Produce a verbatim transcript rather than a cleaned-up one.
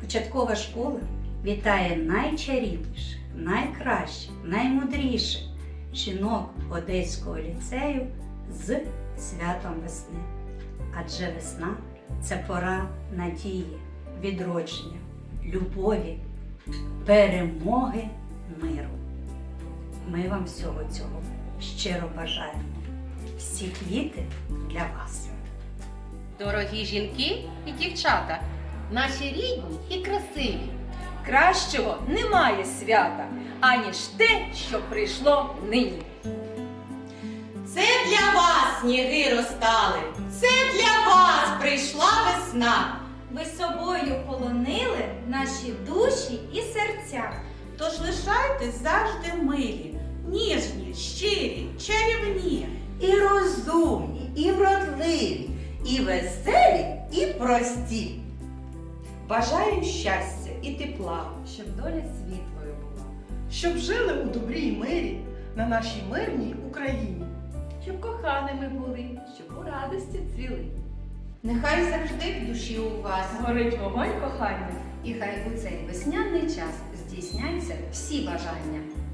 Початкова школа вітає найчарівніших, найкращих, наймудріших жінок Одеського ліцею з святом весни. Адже весна – це пора надії, відродження, любові, перемоги, миру. Ми вам всього цього щиро бажаємо. Всі квіти для вас. Дорогі жінки і дівчата, наші рідні і красиві. Кращого немає свята, аніж те, що прийшло нині. Це для вас сніги розтали, це для вас прийшла весна. Ви собою полонили наші душі і серця. Тож лишайтесь завжди милі, ніжні, щирі, чарівні. І розумні, і вродливі, і веселі, і прості. Бажаю щастя і тепла, Щоб доля світлою була. Щоб жили у добрі й мирі на нашій мирній Україні. Щоб коханими були, щоб у радості цвіли. Нехай завжди в душі у вас Горить вогонь кохання. І хай у цей весняний час здійсняться всі бажання.